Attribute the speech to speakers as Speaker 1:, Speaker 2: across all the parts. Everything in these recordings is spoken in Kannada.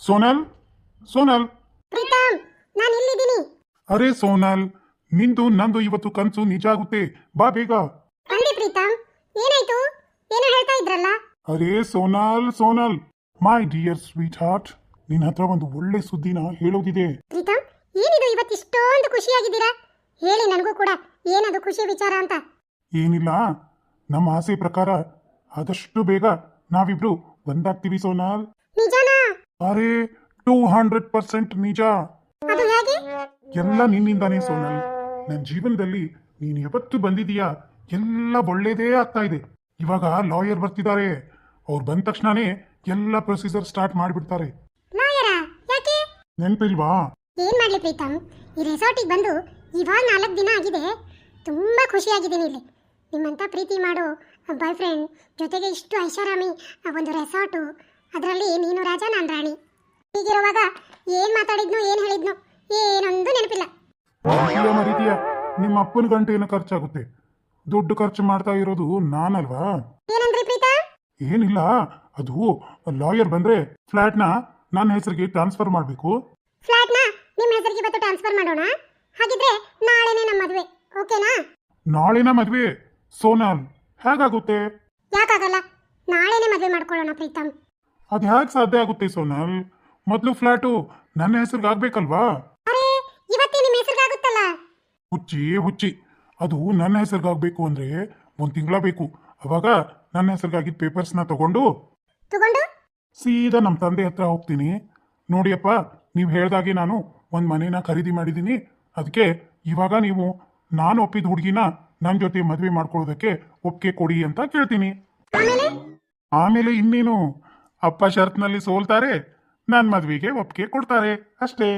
Speaker 1: ಸೋನಲ್ ಸೋನಲ್
Speaker 2: ಪ್ರೀತಮ್, ನಾನು ಇಲ್ಲಿದ್ದೀನಿ.
Speaker 1: ಅರೆ ಸೋನಲ್, ನಿಂದು ನಂದು ಇವತ್ತು ಕನ್ಸು ನಿಜ ಆಗುತ್ತೆ. ಬಾ ಬೇಗ.
Speaker 2: ಬಂದೆ ಪ್ರೀತಮ್, ಏನಾಯ್ತು? ಏನೋ ಹೇಳ್ತಾ ಇದ್ರಲ್ಲ.
Speaker 1: ಅರೆ Sonal Sonal, my dear sweetheart, ನಿನ್ನ ಹತ್ರ ಒಂದು ಒಳ್ಳೆ ಸುದ್ದಿನ ಹೇಳೋದಿದೆ.
Speaker 2: ಪ್ರೀತಮ್, ಏನಿದು ಇವತ್ತು ಇಷ್ಟೊಂದು ಖುಷಿಯಾಗಿದ್ದೀರಾ? ಹೇಳಿ ನನಗೂ ಕೂಡ, ಏನದು ಖುಷಿ ವಿಚಾರ ಅಂತ.
Speaker 1: ಏನಿಲ್ಲ, ನಮ್ಮ ಆಸೆ ಪ್ರಕಾರ ಆದಷ್ಟು ಬೇಗ ನಾವಿಬ್ರು ಒಂದಾಗ್ತೀವಿ ಸೋನಲ್.
Speaker 2: ನಿಜನಾ?
Speaker 1: ಅರೆ 200% ನಿಜ.
Speaker 2: ಅದು ಹೇಗೆ?
Speaker 1: ಎಲ್ಲ ನಿನ್ನಿಂದಾನೇ ಸೋನಲ್. ನನ್ನ ಜೀವನದಲ್ಲಿ ನೀನು ಯಾವತ್ತು ಬಂದಿದೀಯಾ ಎಲ್ಲ ಒಳ್ಳೇದೇ ಆಗ್ತಾ ಇದೆ. ಇವಾಗ ಲಾಯರ್ ಬರ್ತಿದ್ದಾರೆ. ಅವ್ರು ಬಂದ ತಕ್ಷಣನೇ ಎಲ್ಲ ಪ್ರೊಸೀಜರ್ ಸ್ಟಾರ್ಟ್ ಮಾಡಿಬಿಡ್ತಾರೆ.
Speaker 2: ಲಾಯರಾ? ಯಾಕೆ?
Speaker 1: ನೆನಪಿಲ್ವಾ?
Speaker 2: ಏನ್ ಮಾಡ್ಲಿ ಪ್ರೀತಮ್, ಈ ರೆಸಾರ್ಟಿಗೆ ಬಂದು ಇವಾಗ 4 ದಿನ ಆಗಿದೆ. ತುಂಬಾ ಖುಷಿಯಾಗಿದ್ದೀನಿ ಇಲ್ಲಿ. ನಿಮ್ಮಂತ ಪ್ರೀತಿ ಮಾಡೋ ಬಾಯ್ ಫ್ರೆಂಡ್ ಜೊತೆಗೆ ಇಷ್ಟು ಐಷಾರಾಮಿ ಒಂದು ರೆಸಾರ್ಟು, ಅದರಲ್ಲಿ ನೀನು ರಾಜ ನಾನು ರಾಣಿ. ಹೀಗಿರುವಾಗ ಏನ್ ಮಾತಾಡಿದ್ನು ಏನ್ ಹೇಳಿದ್ನು ಏನೊಂದು ನೆನಪಿಲ್ಲ.
Speaker 1: ಮರೀತೀಯ, ನಿಮ್ಮ ಅಪ್ಪನ ಗಂಟೆ ಏನೋ ಖರ್ಚಾಗುತ್ತೆ. ದುಡ್ಡು ಖರ್ಚು ಮಾಡ್ತಾ ಇರೋದು ನಾನಲ್ವಾ?
Speaker 2: ಏನಂದ್ರಿ ಪ್ರೀತಮ್?
Speaker 1: ಏನಿಲ್ಲ, ಅದು ಲಾಯರ್ ಬಂದ್ರೆ ಫ್ಲಾಟ್ನ ನನ್ನ ಹೆಸರಿಗೆ ಟ್ರಾನ್ಸ್ಫರ್ ಮಾಡಬೇಕು.
Speaker 2: ಫ್ಲಾಟ್ನ ನಿಮ್ಮ ಹೆಸರಿಗೆ ಇವತ್ತು ಟ್ರಾನ್ಸ್ಫರ್ ಮಾಡೋಣ. ಹಾಗಿದ್ರೆ ನಾಳೆನೇ ನಮ್ಮ ಮದುವೆ, ಓಕೆನಾ?
Speaker 1: ನಾಳೆನ ಮದ್ವೆ? ಸೋನಲ್, ಹೇಗಾಗುತ್ತೆ?
Speaker 2: ಯಾಕಾಗಲ್ಲ, ನಾಳೆನೇ ಮದುವೆ ಮಾಡ್ಕೊಳ್ಳೋಣ ಪ್ರೀತಮ್.
Speaker 1: ಅದು ಹೇಗೆ ಸಾಧ್ಯ ಆಗುತ್ತೆ ಸೋನಲ್? ಮೊದಲು ಫ್ಲಾಟು ನನ್ನ ಹೆಸರಿಗೆ ಆಗ್ಬೇಕಲ್ವಾ?
Speaker 2: ಅರೆ, ಇವತ್ತೇ ನಿಮ್ಮ ಹೆಸರಿಗಾಗುತ್ತಲ್ಲ.
Speaker 1: ಹುಚ್ಚಿ ಹುಚ್ಚಿ, ಅದು ನನ್ನ ಹೆಸರಿಗಾಗಬೇಕು ಅಂದ್ರೆ 1 ತಿಂಗಳ ಬೇಕು. ಅವಾಗ ನನ್ನ ಹೆಸರಿಗಾಗಿದ್ದ ಪೇಪರ್ಸ್ನ ತಗೊಂಡು ಸೀದಾ ನಮ್ಮ ತಂದೆ ಹತ್ರ ಹೋಗ್ತೀನಿ. ನೋಡಿಯಪ್ಪ, ನೀವು ಹೇಳ್ದಾಗೆ ನಾನು ಒಂದು ಮನೇನ ಖರೀದಿ ಮಾಡಿದ್ದೀನಿ. ಅದಕ್ಕೆ ಇವಾಗ ನೀವು ನಾನು ಒಪ್ಪಿದ ಹುಡುಗಿನ ನನ್ನ ಜೊತೆ ಮದುವೆ ಮಾಡ್ಕೊಳ್ಳೋದಕ್ಕೆ ಒಪ್ಪಿಗೆ ಕೊಡಿ ಅಂತ ಕೇಳ್ತೀನಿ. ಆಮೇಲೆ ಇನ್ನೇನು, ಅಪ್ಪ ಷರತ್ನಲ್ಲಿ ಸೋಲ್ತಾರೆ, ನನ್ನ ಮದುವೆಗೆ ಒಪ್ಪಿಗೆ ಕೊಡ್ತಾರೆ ಅಷ್ಟೇ.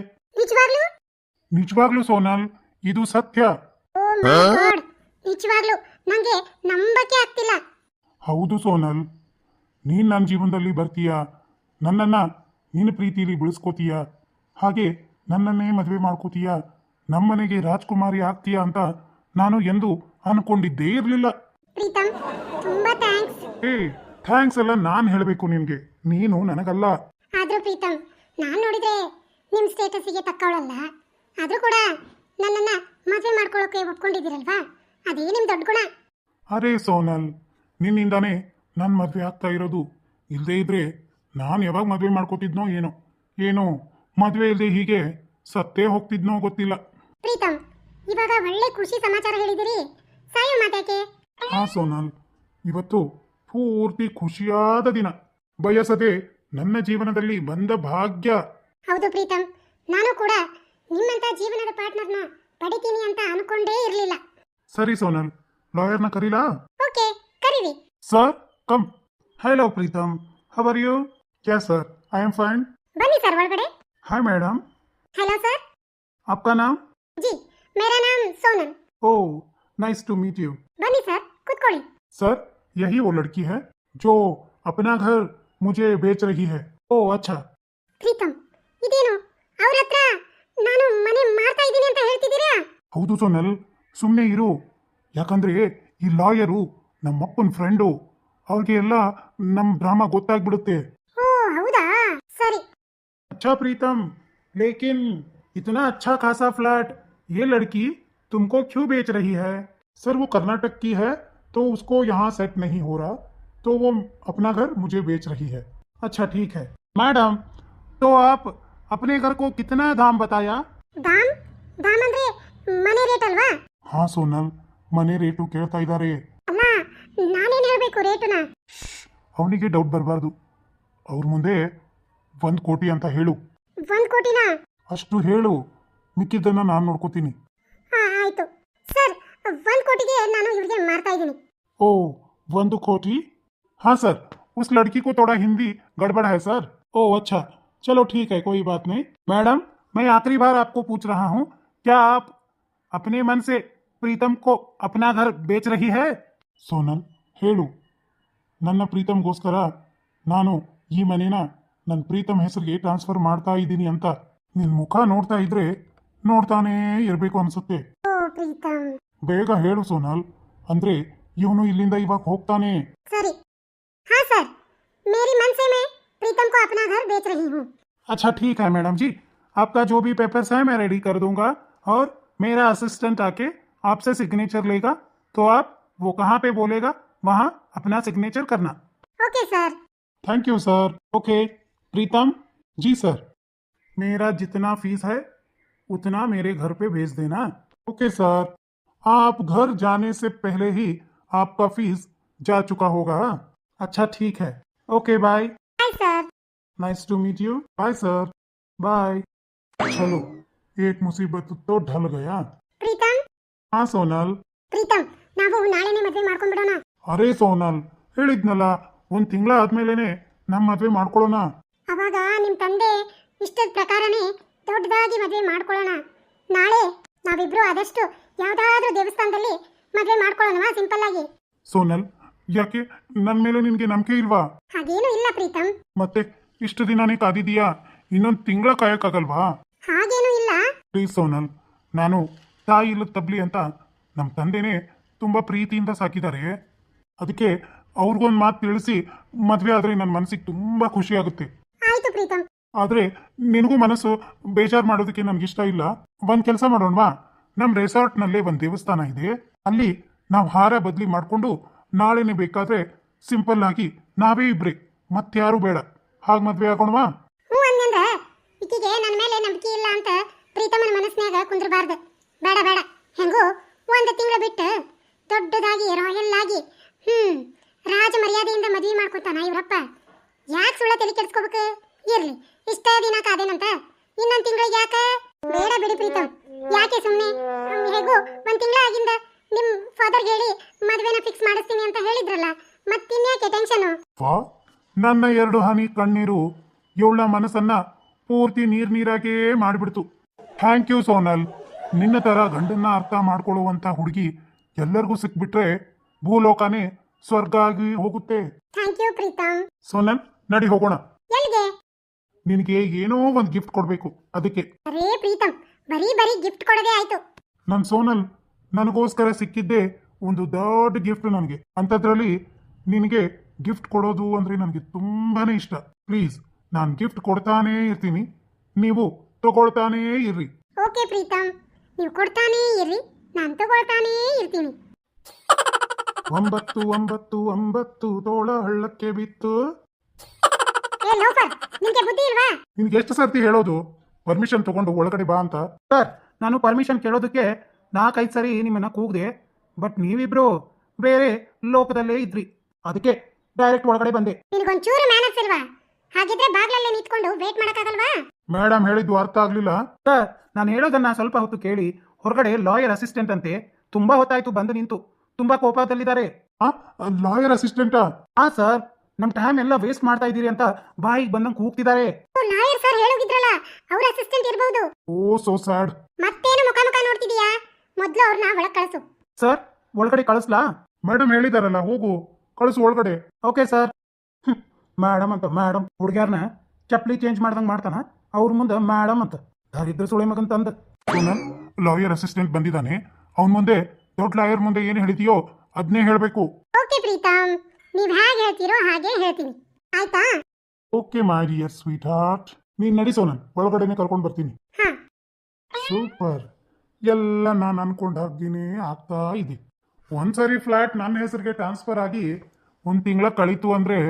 Speaker 1: ನಿಜವಾಗ್ಲೂ ಸೋನಲ್, ಇದು ಸತ್ಯ.
Speaker 2: ಓ ಮೈ ಗಾಡ್, ನಿಜವಾಗ್ಲೂ ನಂಗೆ ನಂಬಕ್ಕೆ ಆಗ್ತಿಲ್ಲ.
Speaker 1: ಹೌದು ಸೋನಲ್, ನೀನು ನನ್ನ ಜೀವನದಲ್ಲಿ ಬರ್ತೀಯಾ, ನನ್ನನ್ನು ನಿನ್ನ ಪ್ರೀತಿಲಿ ಬೆಳೆಸ್ಕೋತೀಯ, ಹಾಗೆ ನನ್ನನ್ನೇ ಮದುವೆ ಮಾಡ್ಕೋತೀಯ, ನಮ್ಮನೆಗೆ ರಾಜ್ಕುಮಾರಿ ಆಗ್ತೀಯಾ ಅಂತ ನಾನು ಎಂದು ಅನ್ಕೊಂಡಿದ್ದೇ ಇರಲಿಲ್ಲ.
Speaker 2: ಪ್ರೀತಮ್, ತುಂಬಾ ಥ್ಯಾಂಕ್ಸ್.
Speaker 1: ಥ್ಯಾಂಕ್ಸ್ ಎಲ್ಲ ನಾನು ಹೇಳಬೇಕು ನಿನಗೆ, ನೀನು ನನಗಲ್ಲ.
Speaker 2: ಆದ್ರೂ ಪ್ರೀತಮ್, ನಾನು ನೋಡಿದ್ರೆ ನಿಮ್ಮ ಸ್ಟೇಟಸ್ಗೆ ತಕ್ಕವಳಲ್ಲ. ಆದ್ರೂ ಕೂಡ ನನ್ನನ್ನ ಮದುವೆ ಮಾಡ್ಕೊಳ್ಳೋಕೆ ಒಪ್ಕೊಂಡಿದ್ದೀರಲ್ವಾ, ಅದೇ ನಿಮ್ ದೊಡ್ಡ ಗುಣ.
Speaker 1: ಅರೆ ಸೋನಲ್, ನಿನ್ನಿಂದಾನೇ ನನ್ನ ಮದುವೆ ಆಗ್ತಾ ಇರೋದು. ಇಲ್ಲದೇ ಇದ್ರೆ ನಾನು ಯಾವಾಗ ಮದುವೆ ಮಾಡ್ಕೋತಿದ್ನೋ ಏನೋ ಮದುವೆ ಇಲ್ಲದೆ ಹೀಗೆ ಸತ್ತೇ ಹೋಗ್ತಿದ್ನೋ ಗೊತ್ತಿಲ್ಲ.
Speaker 2: ಪ್ರೀತಮ್, ಇವಾಗ ಒಳ್ಳೆ ಖುಷಿ ಸಮಾಚಾರ ಹೇಳಿದಿರಿ, ಸಾಯೋ ಮಾತಾಕೆ?
Speaker 1: ಹಾ ಸೋನಲ್, ಇವತ್ತು ಪೂರ್ತಿ ಖುಷಿಯಾದ ದಿನ, ಬಯಸದೆ ನನ್ನ ಜೀವನದಲ್ಲಿ ಬಂದ ಭಾಗ್ಯ.
Speaker 2: ಹೌದು ಪ್ರೀತಮ್, ನಾನು ಕೂಡ ನಿಮ್ಮಂತ ಜೀವನದ ಪಾರ್ಟ್ನರ್ನ ಪಡಿತೀನಿ ಅಂತ ಅನ್ಕೊಂಡೇ ಇರಲಿಲ್ಲ.
Speaker 1: ಸರಿ ಸೋನಲ್, ಲಾಯರ್ನ ಕರೀಲಾ?
Speaker 2: ಓಕೆ, ಕರೀರಿ.
Speaker 1: Sir come. Hello Pritam, how are you? Yes sir, I am fine.
Speaker 2: ಬನ್ನಿ ಸರ್ ಒಳಗಡೆ.
Speaker 1: Hi madam.
Speaker 2: Hello sir.
Speaker 1: आपका नाम?
Speaker 2: जी, मेरा नाम Sonal.
Speaker 1: Oh, nice to meet you.
Speaker 2: बन्नी सर, ಕೂತ್ಕೊಳ್ಳಿ.
Speaker 1: सर, यही वो लड़की है जो अपना घर मुझे बेच रही है. ओह अच्छा.
Speaker 2: ಪ್ರೀತಮ್, ಇದೇನು ಅವ್ರ ಹತ್ರ ನಾನು ಮನೆ ಮಾರ್ತಾ ಇದ್ದೀನಿ ಅಂತ ಹೇಳ್ತಿದ್ದೀರಾ?
Speaker 1: ಹೌದು ಸೋನಲ್, ಸುಮ್ಮನೆ ಇರು. ಯಾಕಂದ್ರೆ ಈ ಲಾಯರು ನಮ್ಮಪ್ಪನ ಫ್ರೆಂಡು, ಅವ್ರಿಗೆ ಎಲ್ಲ ನಮ್ಮ ಡ್ರಾಮಾ ಗೊತ್ತಾಗ್ಬಿಡುತ್ತೆ.
Speaker 2: ಓ ಹೌದಾ, ಸರಿ.
Speaker 1: अच्छा प्रीतम, लेकिन इतना अच्छा खासा फ्लैट ये लड़की तुमको क्यों बेच रही है? सर वो कर्नाटक की है तो उसको यहाँ सेट नहीं हो रहा, तो वो अपना घर मुझे बेच रही है. अच्छा ठीक है मैडम, तो आप अपने घर को कितना दाम बताया?
Speaker 2: दाम दाम ಅಂದ್ರೆ ಮನೆ ರೇಟ್ ಅಲ್ವಾ?
Speaker 1: हाँ सोनल, ಮನೆ ರೇಟು ಕೇಳ್ತಾ ಇದ್ದಾರೆ.
Speaker 2: ಅಲ್ಲ, ನಾನೇನು ಹೇಳಬೇಕು ರೇಟುನ?
Speaker 1: ಅವನಿಗೆ ಡೌಟ್ ಬರಬಾರ್ದು. ಅವ್ರ ಮುಂದೆ 1 ಕೋಟಿ ಅಂತ ಹೇಳು.
Speaker 2: 1 ಕೋಟಿನಾ?
Speaker 1: ಅಷ್ಟು ಹೇಳು, ಮಿಕ್ಕಿದ್ದನ್ನ ನಾನು ನೋಡ್ಕೋತೀನಿ.
Speaker 2: ಹಾ ಆಯ್ತು ಸರ್, 1 ಕೋಟಿಗೆ ನಾನು ಇವ್ರಿಗೆ ಮಾರ್ತಾ ಇದ್ದೀನಿ.
Speaker 1: ओह 1 कोटी? हाँ सर, उस लड़की को थोड़ा हिंदी गड़बड़ है सर. ओह अच्छा, चलो ठीक है, कोई बात नहीं. मैडम, मैं आखिरी बार आपको पूछ रहा हूँ, क्या आप अपने मन से प्रीतम को अपना घर बेच रही है? ಸೋನಲ್ ಹೇಳು, ನನ್ನ ಪ್ರೀತಮ್ಗೋಸ್ಕರ ನಾನು ಈ ಮನೇನ ನನ್ನ ಪ್ರೀತಮ್ ಹೆಸರಿಗೆ ಟ್ರಾನ್ಸ್ಫರ್ ಮಾಡ್ತಾ ಇದ್ದೀನಿ ಅಂತ. ನಿನ್ನ ಮುಖ ನೋಡ್ತಾ ಇದ್ರೆ ನೋಡ್ತಾನೇ ಇರಬೇಕು ಅನ್ಸುತ್ತೆ.
Speaker 2: ಓ ಪ್ರೀತಮ್,
Speaker 1: ಬೇಗ ಹೇಳು ಸೋನಲ್, ಅಂದ್ರೆ ಇವನು ಇಲ್ಲಿಂದ ಇವಾಗ ಹೋಗ್ತಾನೆ.
Speaker 2: ಸರಿ. हाँ सर, मेरी मन से मैं प्रीतम को अपना घर बेच रही हूँ.
Speaker 1: अच्छा ठीक है मैडम जी, आपका जो भी पेपर्स है मैं रेडी कर दूंगा और मेरा असिस्टेंट आके आपसे सिग्नेचर लेगा, तो आप वो कहाँ पे बोलेगा वहाँ अपना सिग्नेचर करना।
Speaker 2: Okay sir.
Speaker 1: Thank you sir. Okay Pritam. जी सर। मेरा जितना फीस है उतना मेरे घर पे भेज देना। Okay sir. आप घर जाने से पहले ही आपका फीस जा चुका होगा। अच्छा ठीक है। Okay bye.
Speaker 2: Bye sir.
Speaker 1: Nice to meet you. Bye sir. Bye. चलो एक मुसीबत तो ढल गया।
Speaker 2: ಪ್ರೀತಮ್
Speaker 1: हाँ सोनल।
Speaker 2: ಪ್ರೀತಮ್ ನಾವು ನಾಳೆನೇ ಮದುವೆ ಮಾಡ್ಕೊಂಡ್ಬಿಡೋಣ.
Speaker 1: ಅರೆ ಸೋನಲ್, ಹೇಳಿದ್ನಲ್ಲ ಒಂದ್ ತಿಂಗಳ ಆದ್ಮೇಲೆನೆ ನಮ್ಮ ಮದ್ವೆ ಮಾಡ್ಕೊಳ್ಳೋಣ.
Speaker 2: ಅವಾಗ ನಿಮ್ಮ ತಂದೆ ಇಷ್ಟದ ಪ್ರಕಾರನೇ ದೊಡ್ಡದಾಗಿ ಮದುವೆ ಮಾಡ್ಕೊಳ್ಳೋಣ. ನಾಳೆ ನಾವಿಬ್ರು ಆದಷ್ಟು ಯಾವ್ದಾದ್ರೂ ದೇವಸ್ಥಾನದಲ್ಲಿ ಮದುವೆ ಮಾಡ್ಕೊಳ್ಳೋಣವಾ, ಸಿಂಪಲ್ ಆಗಿ.
Speaker 1: ಸೋನಲ್, ಯಾಕೆ ನನ್ ಮೇಲೆ ನಿನ್ಗೆ ನಂಬಿಕೆ ಇಲ್ವಾ?
Speaker 2: ಹಾಗೇನು ಇಲ್ಲ ಪ್ರೀತಮ್.
Speaker 1: ಮತ್ತೆ ಇಷ್ಟು ದಿನಾನೇ ಕಾದಿದೀಯಾ, ಇನ್ನೊಂದ್ ತಿಂಗಳ ಕಾಯಕ್ಕಾಗಲ್ವಾ?
Speaker 2: ಹಾಗೇನು ಇಲ್ಲ.
Speaker 1: ಪ್ಲೀಸ್ ಸೋನಲ್, ನಾನು ತಾಯಿ ಇಲ್ಲದ ತಬ್ಲಿ ಅಂತ ನಮ್ಮ ತಂದೆನೇ ತುಂಬಾ ಪ್ರೀತಿಯಿಂದ ಸಾಕಿದ್ದಾರೆ. ಅದಕ್ಕೆ ಅವ್ರಿಗೊಂದು ಮಾತು ತಿಳಿಸಿ ಮದ್ವೆ ಆದ್ರೆ ನನ್ನ ಮನಸ್ಸಿಗೆ ತುಂಬಾ ಖುಷಿ ಆಗುತ್ತೆ.
Speaker 2: ಆಯ್ತು ಪ್ರೀತಮ್.
Speaker 1: ಆದ್ರೆ ನಿನಗೂ ಮನಸ್ಸು ಬೇಜಾರು ಮಾಡೋದಕ್ಕೆ ನನ್ಗಿಷ್ಟ ಇಲ್ಲ. ಒಂದ್ ಕೆಲಸ ಮಾಡೋಣವಾ, ನಮ್ ರೆಸಾರ್ಟ್ ನಲ್ಲೇ ಒಂದ್ ದೇವಸ್ಥಾನ ಇದೆ, ಅಲ್ಲಿ ನಾವು ಹಾರ ಬದ್ಲಿ ಮಾಡ್ಕೊಂಡು ನಾಳೆನೆ ಬೇಕಾದ್ರೆ ಸಿಂಪಲ್ ಆಗಿ ನಾವೇ ಇಬ್ರೆ, ಮತ್ಯಾರು ಬೇಡ, ಹಾಗೆ ಮದ್ವೆ ಆಗೋಣವಾ?
Speaker 2: ಹ್ಞೂ ಅಂದಂದ್ರ ಈಕಿಗೆ ನನ್ನ ಮೇಲೆ ನಂಬಿಕೆ ಇಲ್ಲ ಅಂತ ಪ್ರೀತಮನ ಮನಸ್ಸಿನಾಗ ಕುಂದ್ರಬಾರ್ದು. ಬೇಡ ಬೇಡ, ಹೆಂಗೂ ಒಂದು ತಿಂಗಳು ಬಿಟ್ಟು ದೊಡ್ಡದಾಗಿ ರಾಯಲ್ ಆಗಿ ರಾಜ ಮರ್ಯಾದೆಯಿಂದ ಮದುವೆ ಮಾಡ್ಕೊತಾನ ಇವರಪ್ಪ. ಯಾಕೆ ಸುಳ್ಳ ತಲೆ ಕೆಡಿಸ್ಕೋಬೇಕು? ಇರ್ಲಿ, ಇಷ್ಟ ದಿನ ಕಾದೇನಂತ ಇನ್ನೊಂದು ತಿಂಗಳಿಗೆ ಯಾಕೆ? ಬೇಡ ಬಿಡಿ ಪ್ರೀತಮ್, ಯಾಕೆ ಸುಮ್ಮನೆ? ಹೇಗೂ ಒಂದು ತಿಂಗಳ ಆಗಿಂದ ನಿಮ್ ಫಾದರ್ಗೆ ಹೇಳಿ ಮದುವೆನ ಫಿಕ್ಸ್ ಮಾಡಿಸ್ತೀನಿ ಅಂತ ಹೇಳಿದ್ರಲ್ಲ, ಮತ್ತಿನ್ಯಾಕೆ ಟೆನ್ಷನು?
Speaker 1: ನನ್ನ 2 ಹನಿ ಕಣ್ಣೀರು ಇವಳ ಮನಸ್ಸನ್ನ ಪೂರ್ತಿ ನೀರಾಗೇ ಮಾಡಿಬಿಡ್ತು. Thank you Sonal. ನಿನ್ನ ತರ ಗಂಡನ್ನ ಅರ್ಥ ಮಾಡ್ಕೊಳ್ಳುವಂತ ಹುಡುಗಿ ಎಲ್ಲರಿಗೂ ಸಿಕ್ಬಿಟ್ರೆ ಭೂಲೋಕನೇ ಸ್ವರ್ಗ ಆಗಿ ಹೋಗುತ್ತೆ.
Speaker 2: Thank you Preetham.
Speaker 1: ಸೋನಲ್, ನಡಿ ಹೋಗೋಣ.
Speaker 2: ಎಲ್ಲಿಗೆ?
Speaker 1: ನಿನಗೆ ಏನೋ ಒಂದು ಗಿಫ್ಟ್ ಕೊಡ್ಬೇಕು, ಅದಕ್ಕೆ.
Speaker 2: ಅರೇ ಪ್ರೀತಮ್, ಬರೀ ಗಿಫ್ಟ್ ಕೊಡೋದೇ ಆಯ್ತು.
Speaker 1: ನನ್ ಸೋನಲ್, ನನಗೋಸ್ಕರ ಸಿಕ್ಕಿದ್ದೆ ಒಂದು ದೊಡ್ಡ ಗಿಫ್ಟ್ ನನಗೆ. ಅಂಥದ್ರಲ್ಲಿ ನಿನಗೆ ಗಿಫ್ಟ್ ಕೊಡೋದು ಅಂದ್ರೆ ನನಗೆ ತುಂಬಾನೇ ಇಷ್ಟ. ಪ್ಲೀಸ್, ನಾನು ಗಿಫ್ಟ್ ಕೊಡ್ತಾನೇ ಇರ್ತೀನಿ, ನೀವು ತಗೊಳ್ತಾನೇ ಇರ್ರಿ.
Speaker 2: ಓಕೆ ಪ್ರೀತಮ್, ನೀವು ಕೊಡ್ತಾನೇ ಇರ್ರಿ, ನಾನು ತಗೊಳ್ತಾನೇ ಇರ್ತೀನಿ.
Speaker 1: 9 ತೋಳ ಹಳ್ಳಕ್ಕೆ ಬಿತ್ತು.
Speaker 2: ಏ ಲೋಫರ್, ನಿಮಗೆ ಬುದ್ಧಿ ಇಲ್ವಾ?
Speaker 1: ನಿನ್ಗೆ ಎಷ್ಟು ಸರ್ತಿ ಹೇಳೋದು ಪರ್ಮಿಷನ್ ತಗೊಂಡು ಒಳಗಡೆ ಬಾ ಅಂತ?
Speaker 3: ಸರ್, ನಾನು ಪರ್ಮಿಷನ್ ಕೇಳೋದಕ್ಕೆ 4-5 ಸರಿ ನಿಮ್ಮನ್ನ ಕೂಗಿದೆ, ಬಟ್ ನೀವಿಬ್ರು ಬೇರೆ ಲೋಕದಲ್ಲೇ ಇದ್ರಿ, ಅದಕ್ಕೆ ಡೈರೆಕ್ಟ್ ಒಳಗಡೆ ಬಂದೆ.
Speaker 2: ನಿನಗೊಂಚೂರು ಮ್ಯಾನರ್ಸ್ ಇಲ್ವಾ? ಹಾಗಿದ್ರೆ ಬಾಗ್ಲಲ್ಲೇ ನಿಂತ್ಕೊಂಡು ವೇಟ್ ಮಾಡಕ್ಕಾಗಲ್ವಾ?
Speaker 1: ಮೇಡಮ್ ಹೇಳಿದ್ದು ಅರ್ಥ ಆಗ್ಲಿಲ್ಲ.
Speaker 3: ಸರ್, ನಾನು ಹೇಳೋದನ್ನ ಸ್ವಲ್ಪ ಹೊತ್ತು ಕೇಳಿ. ಹೊರಗಡೆ ಲಾಯರ್ ಅಸಿಸ್ಟೆಂಟ್ ಅಂತೆ, ತುಂಬಾ ಹೊತ್ತಾಯ್ತು ಬಂದು ನಿಂತು, ತುಂಬಾ ಕೋಪದಲ್ಲಿದ್ದಾರೆ.
Speaker 1: ಲಾಯರ್ ಅಸಿಸ್ಟೆಂಟಾ?
Speaker 3: ಹಾ ಸರ್, ನಮ್ ಟೈಮ್ ಎಲ್ಲ ವೇಸ್ಟ್ ಮಾಡ್ತಾ ಇದ್ದೀರಿ ಅಂತ ಬಾಯಿಗೆ ಬಂದಂಗೆ ಕೂಗ್ತಿದ್ದಾರೆ.
Speaker 2: ಲಾಯರ್ ಸರ್ ಹೇಳೋಗಿದ್ರಲ್ಲ, ಅವ್ರ ಅಸಿಸ್ಟೆಂಟ್ ಇರಬಹುದು.
Speaker 1: Oh so sad.
Speaker 2: ಮತ್ತೇನು ಮುಖ ನೋಡ್ತಿದೀಯಾ? ಮೊದ್ಲು ಅವ್ರನ್ನ ಒಳಗ್ ಕಳಿಸು.
Speaker 3: ಸರ್, ಒಳಗಡೆ ಕಳಿಸ್ಲಾ?
Speaker 1: ಮೇಡಮ್ ಹೇಳಿದಾರಲ್ಲ, ಹೋಗು ಕಳಿಸು ಒಳಗಡೆ.
Speaker 3: Okay sir. ಮೇಡಮ್ ಅಂತ ಮೇಡಮ್ ಹುಡುಗ್ಯಾರನ್ನ ಚಪ್ಲಿ ಚೇಂಜ್ ಮಾಡ್ದಂಗೆ ಮಾಡ್ತಾನ, ಅವ್ರ ಮುಂದೆ ಮೇಡಮ್ ಅಂತ ದಾರಿದ್ರ ಸುಳೆ ಮಗಂತ ಅಂದ.
Speaker 1: ಲಾಯರ್ ಅಸಿಸ್ಟೆಂಟ್ ಬಂದಿದ್ದಾನೆ, ಅವನ ಮುಂದೆ ದೊಡ್ಡ ಲಾಯರ್ ಮುಂದೆ ಏನು ಹೇಳಿದೆಯೋ ಅದನ್ನೇ ಹೇಳಬೇಕು.
Speaker 2: ಓಕೆ ಪ್ರೀತಮ್, ನೀವ್ ಹೇಗೆ ಹೇಳ್ತೀರೋ ಹಾಗೆ ಹೇಳ್ತೀನಿ, ಆಯ್ತಾ?
Speaker 1: Okay my dear sweetheart. ನೀನ್ ನಡಿ ಸೋನಲ್, ಒಳಗಡೆನೆ ಕರ್ಕೊಂಡು ಬರ್ತೀನಿ.
Speaker 2: ಹಾ.
Speaker 1: ಸೂಪರ್. ಎಲ್ಲ ನಾನು ಅನ್ಕೊಂಡ ಹಾಗೇನೆ ಆಗ್ತಾ ಇದೆ. ಒಂದ್ಸರಿ ಫ್ಲಾಟ್ ನನ್ನ ಹೆಸರಿಗೆ ಟ್ರಾನ್ಸ್ಫರ್ ಆಗಿ 1 ತಿಂಗಳ ಕಳೀತು ಅಂದ್ರೆ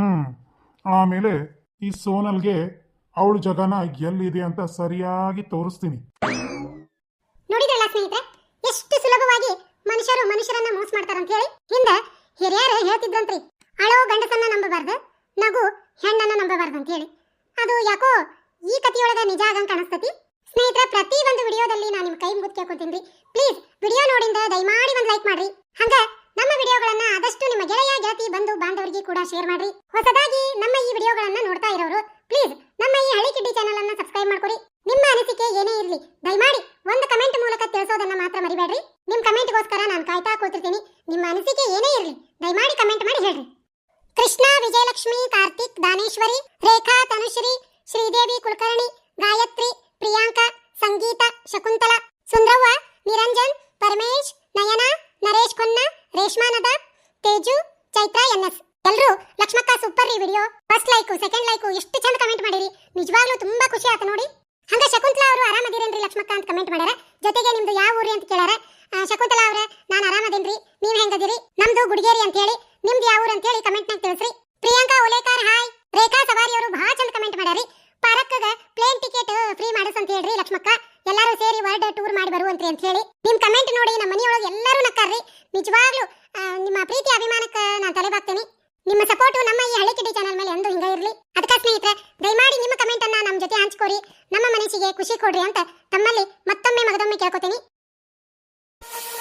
Speaker 1: ಆಮೇಲೆ ಈ ಸೋನಲ್ಗೆ ಅವಳ ಜಗನ ಎಲ್ಲಿದೆ ಅಂತ ಸರಿಯಾಗಿ ತೋರಿಸ್ತೀನಿ.
Speaker 2: ನೋಡಿದ್ರಲ್ಲ ಸ್ನೇಹಿತರೆ, ಎಷ್ಟು ಸುಲಭವಾಗಿ ಮನುಷ್ಯರನ್ನ ಮೋಸ ಮಾಡ್ತಾರಂತ ಹೇಳಿ. ಹಿಂದೆ ಹಿರಿಯರು ಹೇಳ್ತಿದ್ರಂತ್ರಿ, ಅಳೋ ಗಂಡಸನ್ನ ನಂಬಬಾರ್ದು, ನಗು ಹೆಣ್ಣನ್ನ ನಂಬಬಾರ್ದು ಅಂತ ಹೇಳಿ. ಅದು ಯಾಕೋ ಈ ಕಥೆಯೊಳಗ ನಿಜ ಆಗಂಗ್ ಕಾಣಿಸ್ತತಿ. ಸ್ನೇಹಿತರೆ, ಪ್ರತಿ ಒಂದು ವಿಡಿಯೋದಲ್ಲಿ ನಾನು ನಿಮ್ಮ ಕೈ ಮುಗಿದು ಕೇಳ್ಕೊತೀನಿ, ಪ್ಲೀಸ್ ವಿಡಿಯೋ ನೋಡಿಂದ ದಯಮಾಡಿ ಒಂದು ಲೈಕ್ ಮಾಡ್ರಿ. ಹಂಗ ನಮ್ಮ ವಿಡಿಯೋಗಳನ್ನ ಆದಷ್ಟು ನಿಮ್ಮ ಗೆಳೆಯ ಗೆಳತಿ ಬಂಧು ಬಾಂಧವರಿಗೆ ಕೂಡ ಶೇರ್ ಮಾಡ್ರಿ. ಹೊಸದಾಗಿ ನಮ್ಮ ಈ ವಿಡಿಯೋಗಳನ್ನ ನೋಡ್ತಾ ಇರೋರು ಪ್ಲೀಸ್ ನಮ್ಮ ಈ ಹಳಿ ಕಿಡ್ಡಿ ಚಾನೆಲ್ ಅನ್ನ ಸಬ್ಸ್ಕ್ರೈಬ್ ಮಾಡ್ಕೊರಿ. ನಿಮ್ಮ ಅನಿಸಿಕೆ ಏನೇ ಇರಲಿ ದಯಮಾಡಿ ಒಂದು ಕಮೆಂಟ್ ಮೂಲಕ ತಿಳಿಸೋದನ್ನ ಮಾತ್ರ ಮರಿಬೇಡ್ರಿ. ನಿಮ್ಮ ಕಮೆಂಟ್ಗೋಸ್ಕರ ನಾನು ಕಾಯ್ತಾ ಕೂತಿರ್ತೀನಿ. ನಿಮ್ಮ ಅನಿಸಿಕೆ ಏನೇ ಇರಲಿ ದಯಮಾಡಿ ಕಮೆಂಟ್ ಮಾಡಿ ಹೇಳ್ರಿ. ಕೃಷ್ಣ, ವಿಜಯಲಕ್ಷ್ಮಿ, ಕಾರ್ತಿಕ್, ದಾನೇಶ್ವರಿ, ರೇಖಾ, ತನುಶ್ರೀ, ಶ್ರೀದೇವಿ ಕುಲಕರ್ಣಿ, ಗಾಯತ್ರಿ, ಪ್ರಿಯಾಂಕಾ, ಸಂಗೀತ, ಶಕುಂತಲಾ, ಸುಂದ್ರವ್ವ, ನಿರಂಜನ್, ಪರಮೇಶ್, ನಯನ, ನರೇಶ್ ಖೊನ್ನ, ರೇಷ್ಮಾ ನದಾಬ್, ತೇಜು, ಚೈತ್ರಾ NS, ಎಲ್ಲರೂ ಲಕ್ಷ್ಮಕ್ಕ ಸೂಪರ್ ರೀ video. First like, second like ಎಷ್ಟು ಚಂದ ಕಮೆಂಟ್ ಮಾಡಿರಿ. ನಿಜವಾಗ್ಲೂ ತುಂಬಾ ಖುಷಿ ಆಯ್ತು ನೋಡಿ. ಹಂಗ ಶಕುಂತಲಾ ಅವರು ಆರಾಮದಿರೇನ್ರಿ ಲಕ್ಷ್ಮಕ್ಕ ಅಂತ ಕಮೆಂಟ್ ಮಾಡ್ಯಾರ. ಜೊತೆಗೆ ನಿಮ್ದು ಯಾವ ಊರಿ ಅಂತ ಕೇಳ್ಯಾರ. ಶಕುಂತಲಾ ಅವರೇ ನಾನು ಆರಾಮದೇನ್ರಿ, ನೀವ್ ಹೆಂಗದಿರಿ? ನಮ್ದು ಗುಡಿಗೇರಿ ಅಂತ ಹೇಳಿ. ನಿಮ್ದು ಯಾವ ಊರು ಅಂತ ಹೇಳಿ ಕಮೆಂಟ್ ನಾಗ ತಿಳಿಸ್ರಿ. ಪ್ರಿಯಾಂಕಾ ಓಲೇಕರ್ ಹಾಯ್. ರೇಖಾ ಸವಾರಿ ಅವರು ಬಹಳ ಚಂದ ಕಮೆಂಟ್ ಮಾಡ್ಯಾರಿ. ಪಾರಕ್ಕಗ ಪ್ಲೇನ್ ಟಿಕೆಟ್ ಫ್ರೀ ಮಾಡಸ್ ಅಂತ ಹೇಳ್ರಿ ಲಕ್ಷ್ಮಕ್ಕ. ಎಲ್ಲರೂ ಸೇರಿ ವರ್ಲ್ಡ್ ಟೂರ್ ಮಾಡಿ ಬರುವಂತ್ರಿ ಅಂತ ಹೇಳಿ. ನಿಮ್ ಕಮೆಂಟ್ ನೋಡಿ ನಮ್ಮ ಮನೆಯೊಳಗೆ ಎಲ್ಲರೂ ನಕ್ಕಾರ್ರಿ. ನಿಜವಾಗ್ಲೂ ನಿಮ್ಮ ಪ್ರೀತಿ ಅಭಿಮಾನಕ್ಕೆ ನಾನು ತಲೆಬಾಗ್ತೇನೆ. ನಿಮ್ಮ ಸಪೋರ್ಟ್ ನಮ್ಮ ಈ ಹಳ್ಳಿ ಕಿಡಿ ಚಾನಲ್ ಮೇಲೆ ಎಂದು ಹಿಂಗ ಇರಲಿ. ಅದಕ್ಕೆ ಸ್ನೇಹಿತರೆ ದಯಮಾಡಿ ನಿಮ್ಮ ಕಮೆಂಟ್ ಅನ್ನ ನಮ್ಮ ಜೊತೆ ಹಂಚ್ಕೋರಿ, ನಮ್ಮ ಮನಸ್ಸಿಗೆ ಖುಷಿ ಕೊಡ್ರಿ ಅಂತ ತಮ್ಮಲ್ಲಿ ಮತ್ತೊಮ್ಮೆ ಮಗದೊಮ್ಮೆ ಕೇಳ್ಕೊತೀನಿ.